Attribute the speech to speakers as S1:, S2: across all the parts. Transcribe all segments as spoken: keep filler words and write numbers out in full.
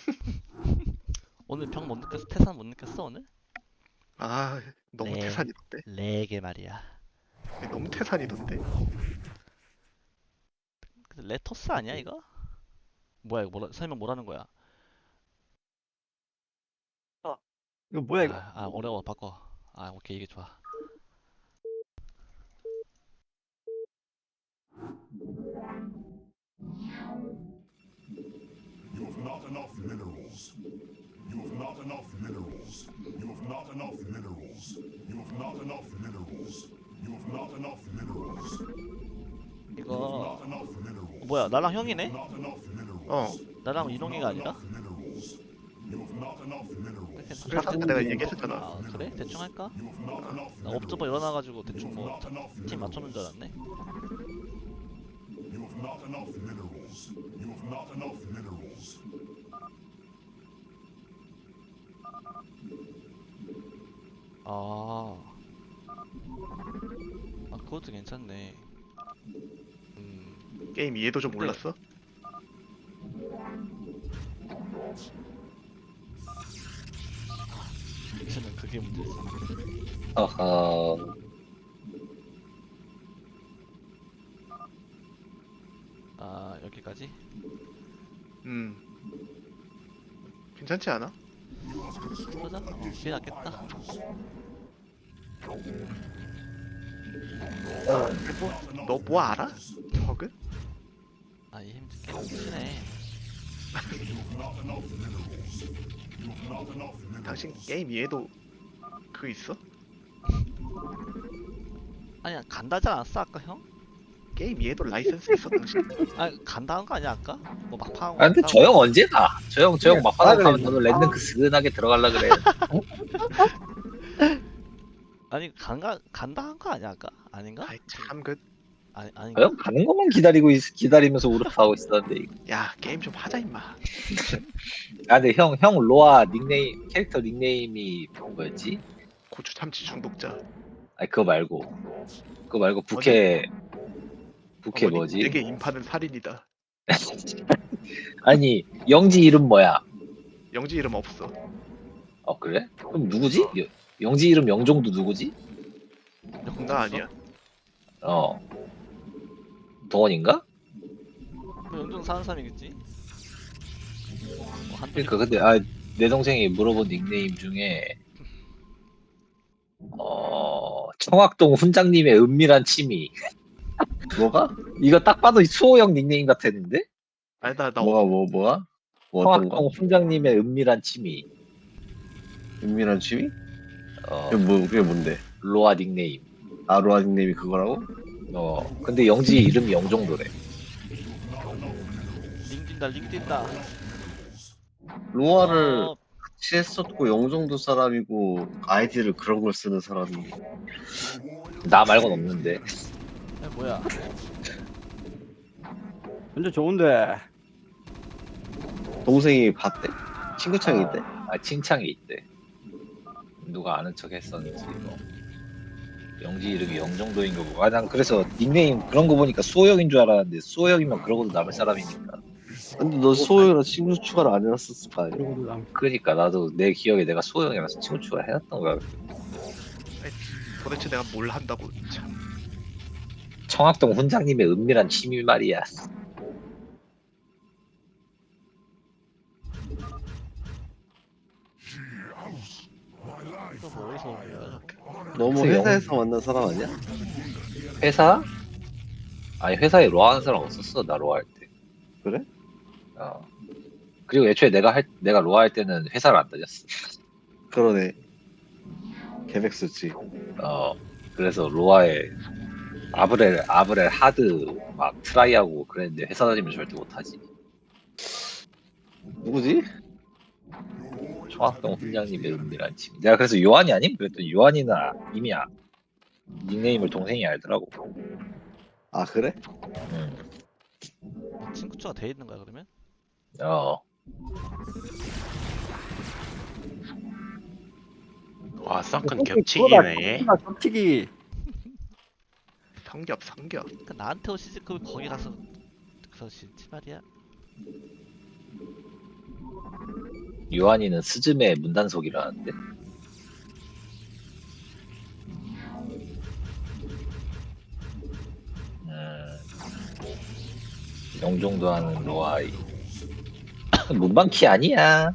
S1: 오늘 병 못 느꼈어? 태산 못 느꼈어 오늘?
S2: 아, 너무
S1: 렉,
S2: 태산이던데.
S1: 렉에 말이야.
S2: 너무 태산이던데.
S1: 근데 레토스 아니야 이거? 뭐야 이거 뭐라, 설명 뭐라는 거야?
S3: 아, 이거 뭐야 이거?
S1: 아, 아 어려워 바꿔. 아 오케이 이게 좋아.
S4: You have not enough minerals. You have not enough minerals. You have not enough minerals. You have not enough minerals. You have not enough minerals.
S1: 이거
S4: Not enough minerals.
S1: 뭐야 나랑 형이네?
S4: Not enough minerals.
S2: 어,
S1: 나랑 이동이가 아니라?
S4: Minerals. You have not enough minerals.
S2: 그래서 아까 내가 얘기했었잖아.
S1: 아 그래? 대충 할까?
S4: You have not enough
S1: 나
S4: minerals.
S1: 업저버 일어나가지고 대충 뭐
S4: Not enough
S1: 팀
S4: minerals.
S1: 맞춰놓은 줄 알았네.
S4: You have not enough minerals. You have not enough minerals.
S1: 아, 아 그것도 괜찮네. 음,
S2: 게임 이해도 좀 올랐어?
S1: 저는 그게 문제였어.
S5: 어허.
S1: 아 여기까지?
S2: 음. 괜찮지 않아?
S1: 그러자? 어, 그게 낫겠다.
S2: 너 뭐 알아? 저그?
S1: 아이 힘 꽤 치네.
S2: 당신 게임 이해도 그거 있어?
S1: 아니야 간다지 않았어 아까 형?
S2: 게임 이해도 라이센스 있어 당신?
S1: 아 간다는 거 아니야 아까? 뭐 막판.
S5: 아 근데 저 형 언제 가? 저 형 저 형 막바닥
S3: 아,
S5: 가면
S3: 그래.
S5: 저도 랜드크 스근하게 들어갈라 그래.
S1: 아니 간가 간다 한 거 아니야 아까? 아닌가?
S2: 아이 참그.
S1: 아니
S5: 저
S1: 아닌가?
S5: 형 가는 것만 기다리고 있, 기다리면서 우르프하고 있었는데. 이거.
S2: 야 게임 좀 하자 임마.
S5: 아 근데 형 형 로아 닉네임 캐릭터 닉네임이 뭐였지?
S2: 고추 참치 중독자.
S5: 아니 그거 말고 그거 말고 부캐 부캐
S2: 어머니,
S5: 뭐지?
S2: 내게 인파는 살인이다.
S5: 아니 영지 이름 뭐야?
S2: 영지 이름 없어.
S5: 어 그래? 그럼 누구지? 여- 영지 이름 영종도 누구지?
S2: 나 아니야.
S5: 어 동원인가?
S1: 뭐 영종 사는 사람이겠지? 뭐 한두
S5: 그러니까 근데 아 내 동생이 물어본 닉네임 중에 어 청학동 훈장님의 은밀한 취미 뭐가? 이거 딱 봐도 수호형 닉네임 같았는데?
S2: 아니 나나
S6: 뭐가 뭐 뭐가? 뭐 어떤 거?
S5: 청학동 훈장님의 은밀한 취미
S6: 은밀한 취미?
S5: 어
S6: 그게 뭐 그게 뭔데?
S5: 로아 닉네임
S6: 아로아 닉네임이 그거라고?
S5: 어 근데 영지 이름이 영종도래.
S1: 링 뛴다 링 뛴다.
S6: 로아를
S1: 어,
S6: 같이 했었고 영종도 사람이고 아이디를 그런 걸 쓰는 사람이
S5: 나 말곤 없는데.
S1: 야, 뭐야?
S3: 완전 좋은데.
S6: 동생이 봤대? 친구창이 있대?
S5: 아 칭찬이 있대. 누가 아는 척 했었는지 뭐. 영지 이름이 영종도인 거고. 아 난 그래서 닉네임 그런 거 보니까 수호형인 줄 알았는데 수호형이면 그러고도 남을 사람이니까.
S6: 근데 너 소영이랑 친구 추가를 안 해놨었을 거 아니야?
S3: 그리고도 남.
S5: 그러니까 나도 내 기억에 내가 수호형이라서 친구 추가 해놨던 거야.
S2: 도대체 내가 뭘 한다고 참.
S5: 청학동 훈장님의 은밀한 취미 말이야.
S1: 이거 뭐 어디서 온 거야?
S6: 너무
S5: 글쎄요.
S6: 회사에서 만난 사람 아니야?
S5: 회사? 아니 회사에 로아 하는 사람 없었어 나 로아 할 때.
S6: 그래?
S5: 어. 그리고 애초에 내가 할 내가 로아 할 때는 회사를 안 다녔어.
S6: 그러네. 계획 쓰지.
S5: 어. 그래서 로아에 아브렐 아브렐 하드 막 트라이하고 그랬는데 회사 다니면 절대 못하지.
S6: 누구지?
S5: 청학동 훈장님의 은밀한 취미. 내가 그래서 요한이 아님? 그랬더니 요한이나 이미 아, 닉네임을 동생이 알더라고.
S6: 아 그래?
S5: 음.
S1: 뭐 친구 추가 돼 있는 거야 그러면?
S5: 어.
S7: 와, 썬큰
S3: 그거다,
S7: 겹치기네.
S3: 그거다, 겹치기.
S2: 성겹 성겹.
S1: 그러니까 나한테 오시지 그 거기 가서 그러시지 말이야.
S5: 유한이는 스즈메 문단속이라는데. 음, 영종도 하는 로아이. 문방키 아니야.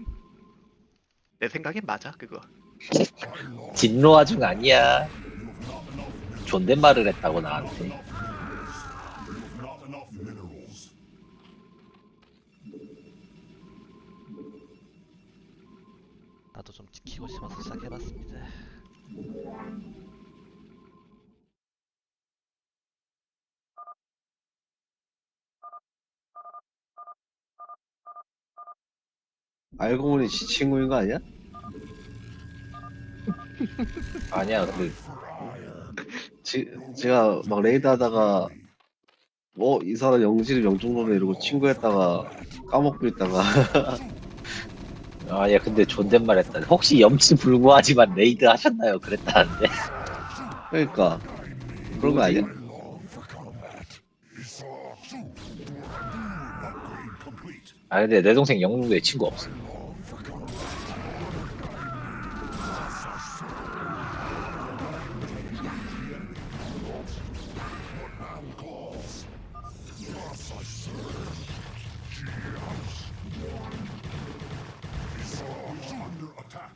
S2: 내 생각엔 맞아 그거.
S5: 진로아 중 아니야. 존댓말을 했다고 나한테.
S4: Not enough minerals.
S1: 나도 좀 지키고 싶어서 시작해봤습니다.
S6: 알고 보니 지 친구인 거 아니야?
S5: 아니야, 근데
S6: 지, 제가 막 레이드 하다가 어 이 사람 영지를 영종도네 이러고 친구했다가 까먹고 있다가
S5: 아니야, 근데 존댓말 했다. 혹시 염치 불구하지만 레이드 하셨나요? 그랬다는데.
S6: 그러니까 그런 거 아니야?
S4: Complete.
S5: 아 근데 내 동생 영웅도에 친구 없어.
S4: Under attack.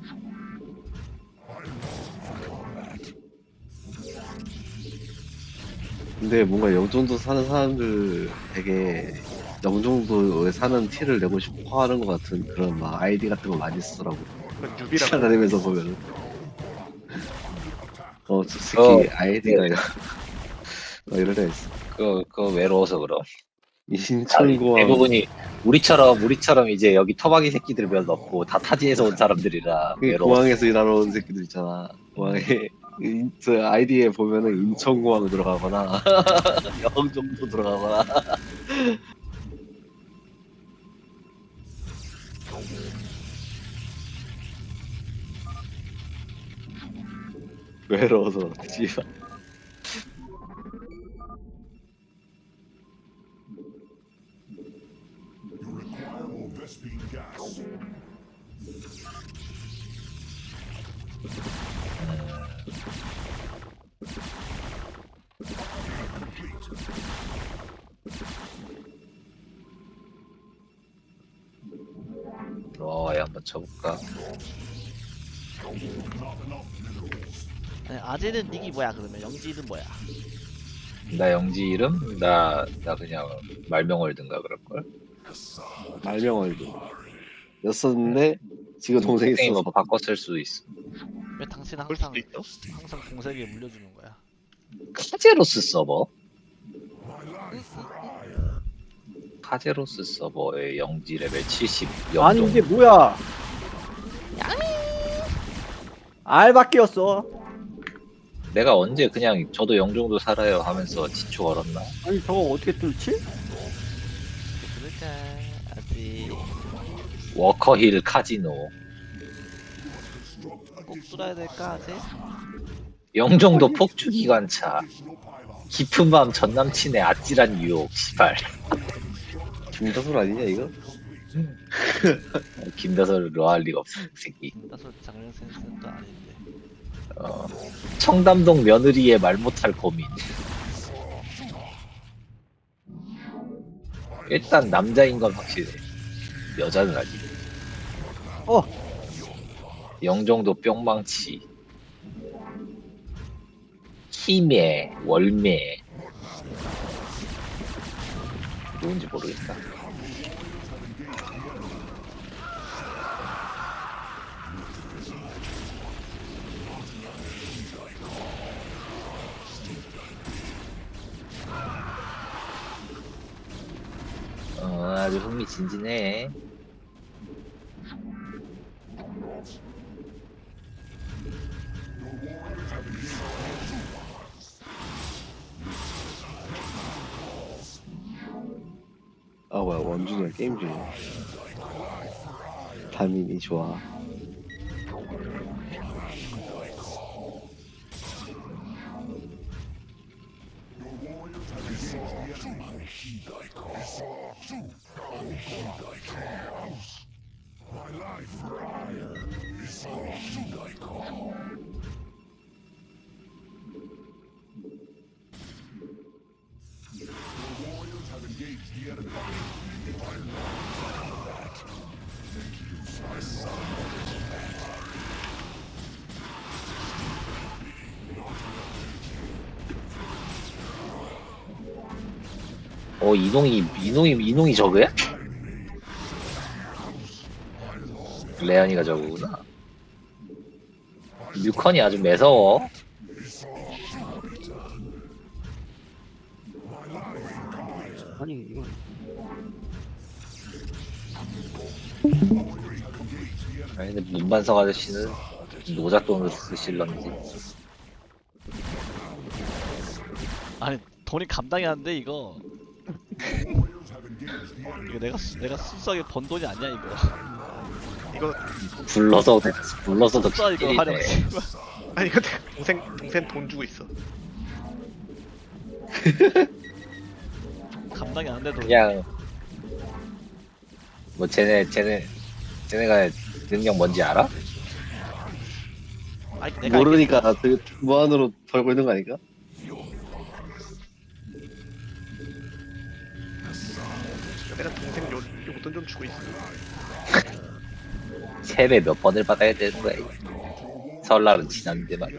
S6: 근데 뭔가 영종도 사는 사람들 되게 영종도에 사는 티를 내고 싶어 하는 것 같은 그런 막 아이디 같은 거 많이 쓰더라고.
S2: 그건 유비라고.
S6: 찾아다니면서 보면은. 어, 저 새끼
S5: 어,
S6: 아이디가 막 이런 애 있어.
S5: 그, 그 외로워서 그럼.
S6: 인천공항
S5: 대부분이 우리처럼 우리처럼 이제 여기 토박이 새끼들 몇 없고 다 타지에서 온 사람들이라
S6: 그
S5: 외로워.
S6: 공항에서 일하러 온 새끼들 있잖아. 공항에 인- 저 아이디에 보면은 인천공항 들어가거나 영종도 들어가거나. 외로워서 씨발.
S4: You require more Vespine gas.
S5: 로아에 한번 쳐볼까?
S4: Not enough minerals.
S1: 아니, 아재는 닉이 뭐야 그러면 영지는 뭐야?
S5: 나 영지 이름? 나, 나 그냥 말명월든가 그럴걸?
S6: 말명월드 였었는데 지금 동생이
S5: 동생이 뭐
S6: 있어서
S5: 바꿨을 수도 있어.
S1: 왜 당신은
S2: 그럴
S1: 항상
S2: 수도 있어.
S1: 항상 공세에 물려주는 거야?
S5: 카제로스 서버? 카제로스 서버의 영지 레벨 칠십
S3: 아니
S5: 영종.
S3: 이게 뭐야? 알바끼였어.
S5: 내가 언제 그냥 저도 영종도 살아요 하면서 지초 걸었나?
S3: 아니 저거 어떻게 뚫지?
S1: 그러자 아직
S5: 워커힐 카지노.
S1: 꼭 뚫어야 될까 아재?
S5: 영종도 폭주기관차.
S4: Additional pylons.
S5: 깊은 밤 전남친의 아찔한 유혹. 시발.
S6: 김다솔 아니냐 이거?
S5: 김다솔을 로할 리가 없어. 그 새끼.
S1: 다소 장르 센스는 또 아닌데.
S5: 어, 청담동 며느리의 말 못할 고민. 일단 남자인 건 확실해. 여자는 아직.
S3: 어.
S5: 영종도 뿅망치. 희매, 월매. 누군지 모르겠다. 어, 아주 흥미진진해.
S6: 아 뭐야 원준이가 게임 중이야. 다민이 좋아.
S5: 어 이동이 이동이 이동이 저거야? 레안이가 저거구나. 뮤컨이 아주 매서워.
S3: 아니 이거
S5: 아니 근데 문반석 아저씨는 노잣돈을 쓰실런지.
S1: 아니 돈이 감당이 안 돼 이거. 이거 내가 수- 내가 순수하게 번 돈이 아니야 이거.
S2: 이거
S5: 불러서 불러서도
S1: 진짜 이거
S5: 킬이네.
S1: 하려고.
S2: 아니 근데 동생 동생 돈 주고 있어.
S1: 감당이 안 돼도.
S5: 그냥 뭐 쟤네 쟤네 쟤네가 능력 뭔지 알아?
S1: 아니, 내가
S6: 모르니까 되게 무한으로 벌고 있는 거 아닐까?
S2: 내가 동생 요 용돈 좀 주고 있어.
S5: 세배 몇 번을 받아야 되는 거야 이게. 설날은 지났는데 말이야.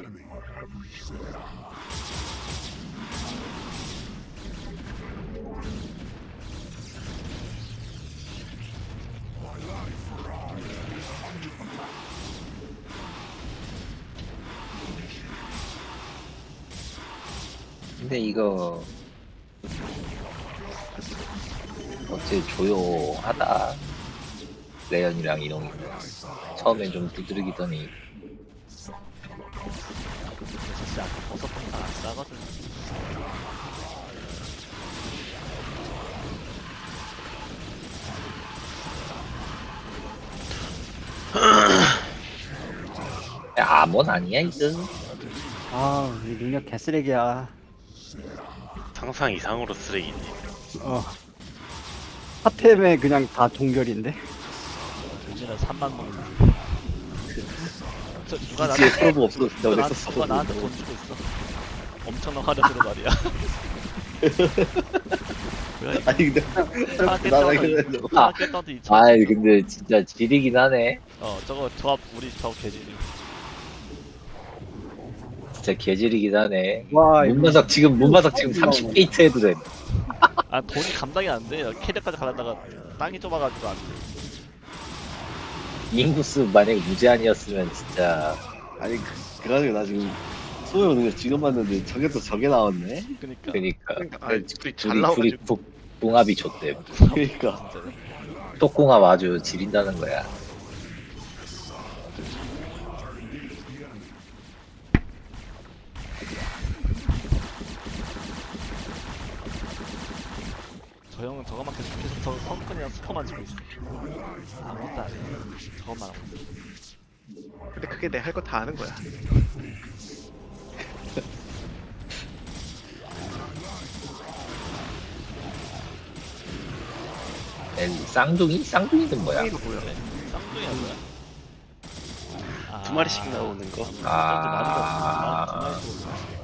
S5: 근데 이거 어째 조용하다. 레연이랑 이동이 처음엔 좀 두드리기더니
S1: 사실 아까 버섯도 잘안 싸거든.
S5: 아몬 아니야 이거.
S3: 아, 이 능력 개쓰레기야.
S7: 상상 이상으로 쓰레기네.
S3: 어. 하템에 그냥 다 동결인데.
S1: 요즘은 삼만 먹는. 저 누가
S6: 기지에
S1: 나한테
S6: 프로브 없어. 진짜
S1: 누가, 나,
S6: 넥서스
S1: 누가 나한테
S6: 프로브.
S1: 돈 주고 있어. 엄청난 화려스러 말이야. 뭐야 이거?
S6: 아니 근데
S1: 하나
S6: 나
S1: 깼다고
S6: 이거
S1: 하나 깼다도 이천.
S5: 아이 근데 진짜 지리긴 하네.
S1: 어 저거 조합 우리 저거 개지리.
S5: 진짜 개지리긴 하네.
S3: 와, 이거
S5: 문바삭 지금 문바삭 지금 삼십 게이트 해도 돼.
S1: 아 돈이 감당이 안 돼. 캐리어까지 가려다가 땅이 좁아가지고 안 돼.
S5: 인구수 만약에 무제한이었으면 진짜
S6: 아니 그- 그래가지고 나 지금 소요 능력 지금 봤는데 저게 또 저게 나왔네.
S1: 그니까.
S5: 그니까
S2: 그러니까 아 둘이 잘
S5: 둘이 둘이
S2: 나와가지고
S5: 부- 궁합이 좋대.
S6: 그러니까
S1: 진짜로.
S5: 똑궁합 아주 지린다는 거야.
S1: 저 형은 저것만 계속 계속 저 성큰이랑 스퍼만 치고 있어. 아무것도 안 해. 저것만 하고 있어.
S2: 근데 그게 내 할 거 다 아는 거야.
S5: 엘- 쌍둥이? 쌍둥이는 뭐야?
S2: 이거 뭐야?
S1: 쌍둥이야 뭐야? 아,
S7: 두 마리씩 나오는 거.
S1: 아,
S5: 아.
S1: 두 마리가 없구나. 두 마리